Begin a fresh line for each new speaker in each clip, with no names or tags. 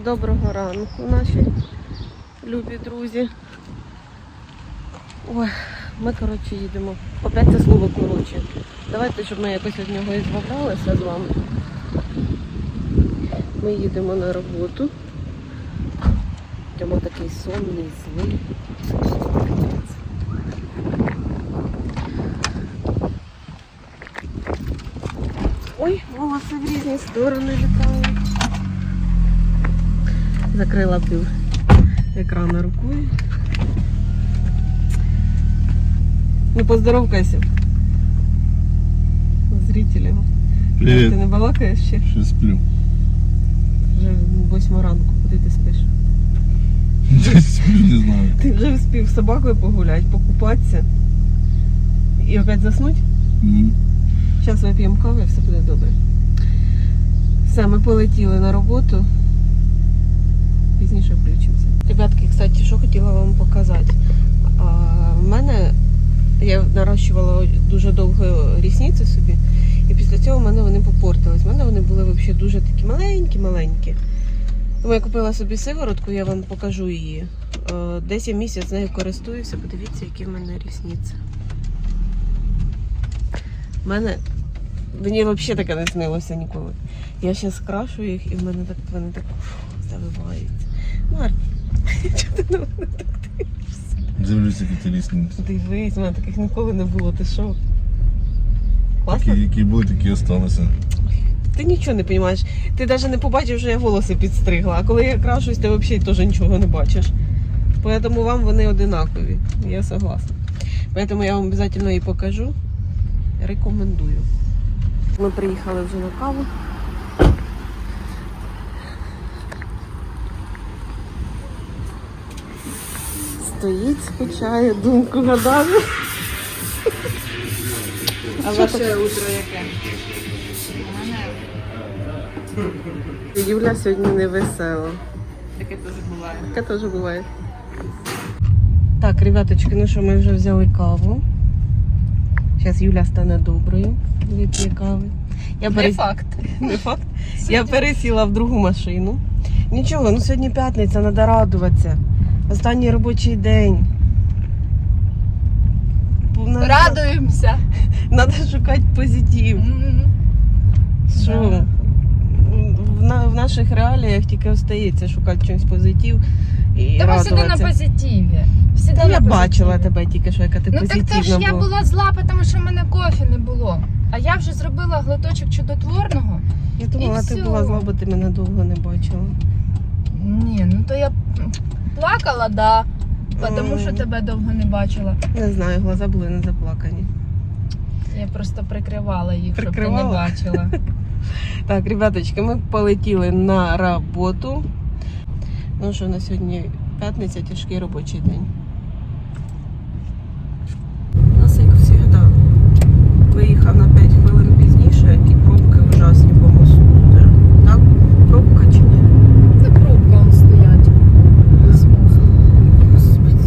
Доброго ранку, наші любі друзі. Ой, ми, коротше, їдемо. Опять це слово коротше. Давайте, щоб ми якось від нього і збавлялися з вами. Ми їдемо на роботу. Йдемо такий сонний, злий. Ой, волоси в різні сторони літають. Закрила пів екрана рукою. Ну, поздоровкайся. Зрителям.
Привіт.
Ти не балакаєш ще?
Ще сплю.
Вже 8 ранку, куди ти спиш?
Десь сплю, не знаю.
Ти вже встиг з собакою погуляти, покупатися і опять заснути? Зараз вип'ємо каву і все буде добре. Все, ми полетіли на роботу. Пізніше включимося. Ребятки, кстати, що хотіла вам показати. В мене, я нарощувала дуже довго рісниці собі, і після цього в мене вони попортились. В мене вони були взагалі дуже такі маленькі-маленькі. Тому я купила собі сиворотку, я вам покажу її. Десь я місяць з нею користуюся, подивіться, які в мене рісниці. Мені взагалі таке не снилося ніколи. Я зараз крашу їх і вони так завиваються. Ну, Арт, чого ти на мене так дивишся?
Дивлюся, які ти рісниці.
Дивись, в мене таких ніколи не було, ти що? Класно?
Які були, такі і сталися.
Ти нічого не розумієш. Ти навіть не побачив, що я волоси підстригла. А коли я крашусь, ти взагалі теж нічого не бачиш. Тому вам вони одинакові. Я согласна. Тому я вам обов'язково її покажу. Рекомендую. Ми приїхали вже на каву. Стоїть, скучає, думку гадає.
А ваше утро яке?
Юля сьогодні не весела.
Таке теж буває.
Таке теж буває. Так, ребяточки, ну що, ми вже взяли каву. Зараз Юля стане доброю, вип'є кави.
Не факт.
Не факт. Я пересіла в другу машину. Нічого, ну сьогодні п'ятниця, треба радуватися. Останній робочий день.
Радуємося.
Треба шукати позитив. Що? В наших реаліях тільки остається шукати чимось позитив і
Та ми всегда на
радуватися.
позитиві. Всегда
Та
на
я
позитиві.
бачила тебе тільки, що яка ти
Ну так
позитивна
це ж я
була.
була зла, тому що в мене кофе не було. А я вже зробила глоточок чудотворного.
Я думала,
І
ти
всьо.
була зла, бо ти мене довго не бачила.
Ні, ну то я плакала, да. Тому що тебе довго не бачила.
Не знаю, глаза були не заплакані.
Я просто прикривала їх, щоб ти не
Прикривала?
бачила.
Так, ребяточки, ми полетіли на роботу. Ну що, на сьогодні п'ятниця, тяжкий робочий день. У нас, як завжди, виїхав на 5 хвилин пізніше, і пробки ужасні по мосту. Так? Пробка чи ні?
Та пробка он стоять.
Господи.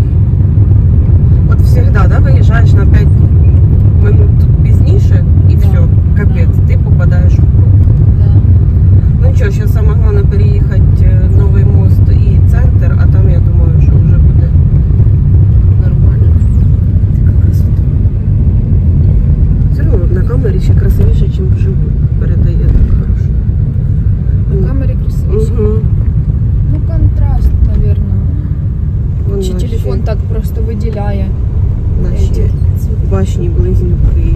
От завжди, да, виїжджаєш на 5 минут пізніше і все, капець, ти попадаєш в пробку.
Да.
Ну нічого, зараз саме головне переїхати новий мост і центр, а там я думаю, що вже буде нормально. Така красота. Все одно на камері ще красивіше, ніж вживу. Передає так хорошо.
На камері красивіше.
Угу.
Ну контраст, мабуть. Чи телефон так просто виділяє
Наші башні близнюки.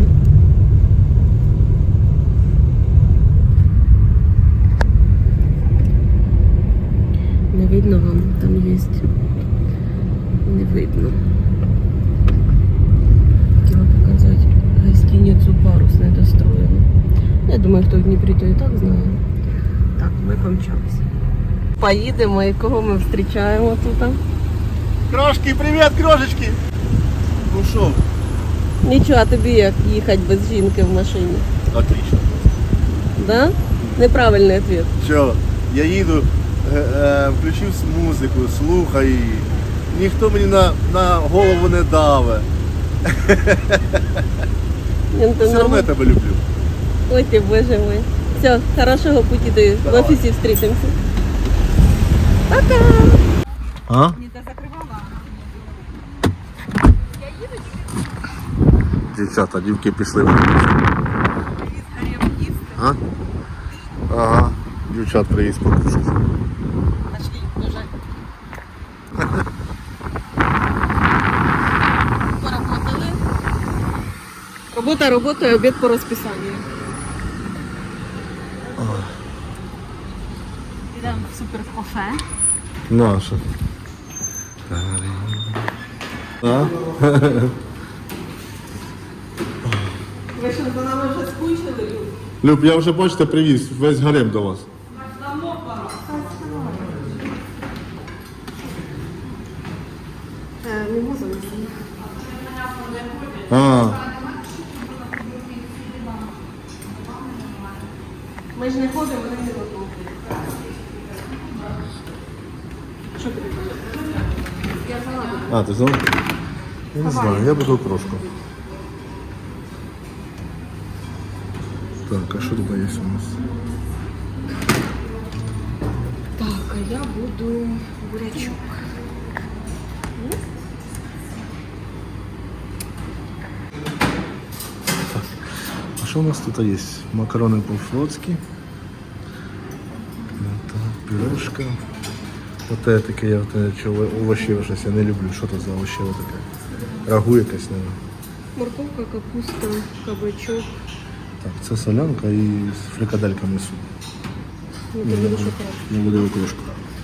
Не видно вам, там є. Не видно. Хотіла показати гостиницю «Парус» недостроєну. Я думаю, хто в Дніпрі, то і так знає. Так, ми помчалися. Поїдемо, і кого ми зустрічаємо тут?
Крошки, привіт, крошечки! Ну що?
Нічого, а тобі як їхати без жінки в машині?
Отлично.
Да? Неправильний відповідь.
Що, я їду, включив музику, слухаю її. Ніхто мені на голову не даве. Все одно я тебе люблю.
Ой ти, боже мой. Все, хорошого пути, в офісі зустрітимося.
А? Дівчата, дівки пішли. А? Ага, дівчат приїзд покушати.
Поработали. Робота роботою, обід по розписанню. Йдемо в суперкафе.
Наша. А?
Ви що, за нами вже скучили, Люб?
Люб, я вже, бачите, привіз весь гарем до вас.
Мімоза не
А,
Ми ж не ходимо, вони не готові. Що тобі? Я салат.
а ти знав? Я не знаю, я буду крошку. Так, а що тут є у нас?
Так, а я буду бурячок.
А що у нас тут є? Макарони по-флотськи. Пюрешка. Оте таке, я овощеве щось, я не люблю. Що це за овощеве таке? Рагу якесь, мабуть.
Морковка, капуста, кабачок.
Так, це солянка і з фрикадельками суп.
Ну, ти будеш окремо.
Я буду окрошку.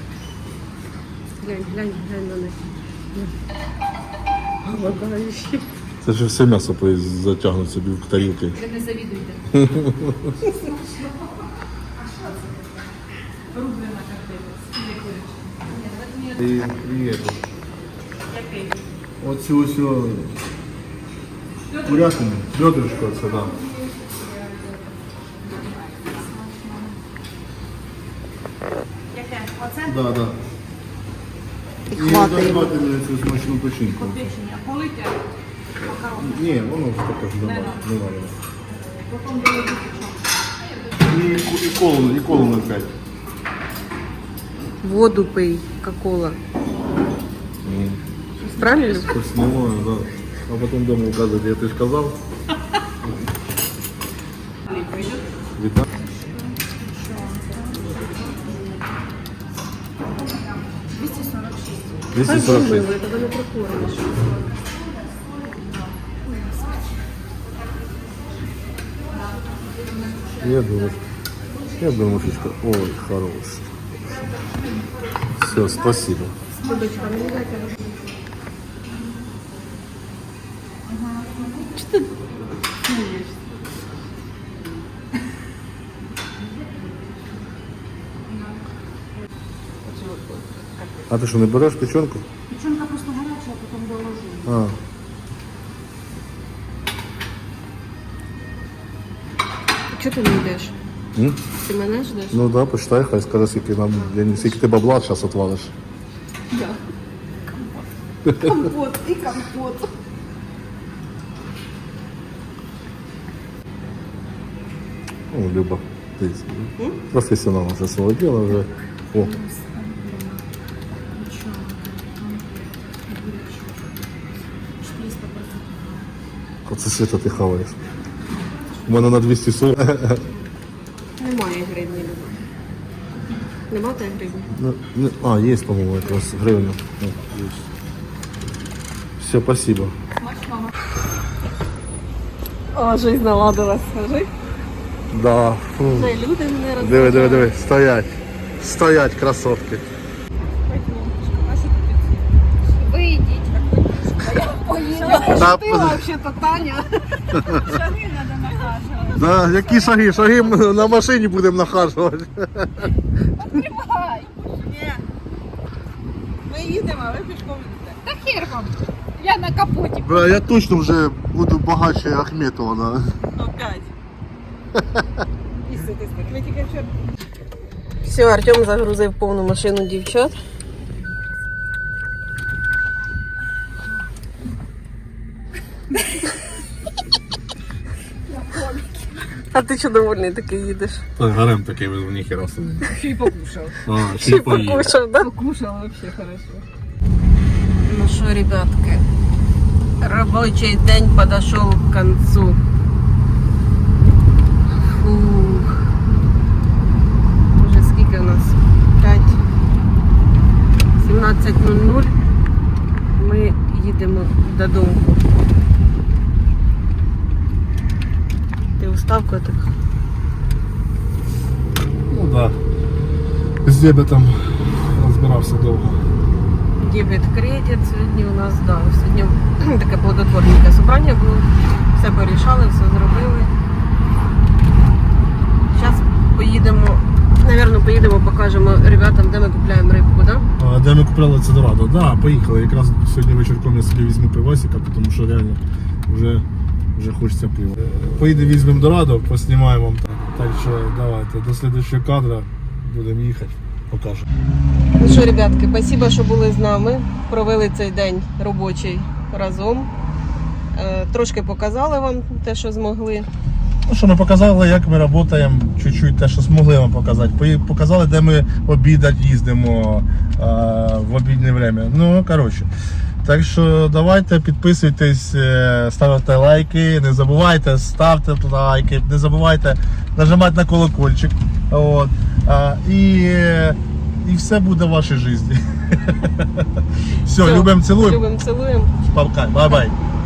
Глянь на них. Голодаючі.
Це ж все м'ясо затягнуть собі в тарілки.
Ви не завідуйте. Рублена картина.
Оцю ось курятину, бедрышко це, да.
Яке? Оце?
Да, да.
І хватає.
давайте мені цю смачну печінку.
Печення. Полите макарони.
Ні, воно ж таке ж немає.
Потім доложу.
І колу на 5.
Воду пий, кока-кола. Правильно?
Снимаю, да. А потом дома указывать, я ты ж казал. Витам. 246.
Мило, я тебе не прокормиш.
Я думаю, фишка. Ой, хорош. Все, спасибо.
Любочка, мені дайте. Що ти смієшся?
А ты что, не берешь печенку?
Печенка просто гаряча, а потім доложу.
А.
Чого ти не йдеш?
М?
Ти мене ждеш?
Ну да, почитай, хай скажи, скільки нам, я не скільки ти бабла зараз отвалиш.
Я. Компот і компот.
Ну, Люба, ты профессионал уже своего дела уже. О. Оце світа ти хаваєш. У мене на 240.
Немає гривні. Нема та гривні?
А, є, по-моєму, якраз гривня. Все, спасибо.
О, жизнь наладилась, скажи.
Да. Фу.
Не, люди не розважають.
Диви. Стоять. Стоять, красотки.
Вийдіть.
Та,
Ти взагалі-то Таня.
Шаги треба нахажувати.
да, які шаги? Шаги ми на машині будемо нахажувати.
Тримай.
Ми їдемо, а ви пішком йдете.
Та хер вам. Я на капоті.
Бля, я точно вже буду багатше Ахметова. Да.
Опять. Ми тільки вчора. Все, Артем загрузив повну машину дівчат. А ти чого довольний такий їдеш?
Так, гарем такий в ніхера собі.
Ще й покушав.
А,
Ще й покушав, да?
Покушав вообще хорошо.
Ну що, ребятки, робочий день подошел к концу. Фух. Уже скільки у нас? 17:00. Ми їдемо додому. Ти устав, котик?
Ну так. Да. З дебетом розбирався довго.
Дебет, кредит. Сьогодні у нас, да, сьогодні таке плодотворне собрання було. Все порішали, все зробили. Зараз поїдемо, покажемо ребятам, де ми купляємо рибку, да?
А де ми купляли це дорадо? Так, да, поїхали. Якраз сьогодні вечірком я собі візьму пивасика, тому що реально вже хочеться пива. Поїдемо, візьмемо дорадо, поснімаємо вам так. Так що давайте, до слідчого кадра будемо їхати, покажемо.
Ну що, ребятки, спасибо, що були з нами. Провели цей день робочий разом. Трошки показали вам те, що змогли.
Ну що, ми показали, як ми працюємо, чуть-чуть те, що змогли вам показати. Показали, де ми обідати їздимо в обіднє время. Ну, коротше. Так що давайте, підписуйтесь, ставте лайки, не забувайте, ставте лайки, не забувайте нажимати на колокольчик. От. І все буде в вашій житті. Все, любимо, цілуємо.
Любимо, цілуємо.
Бай-бай.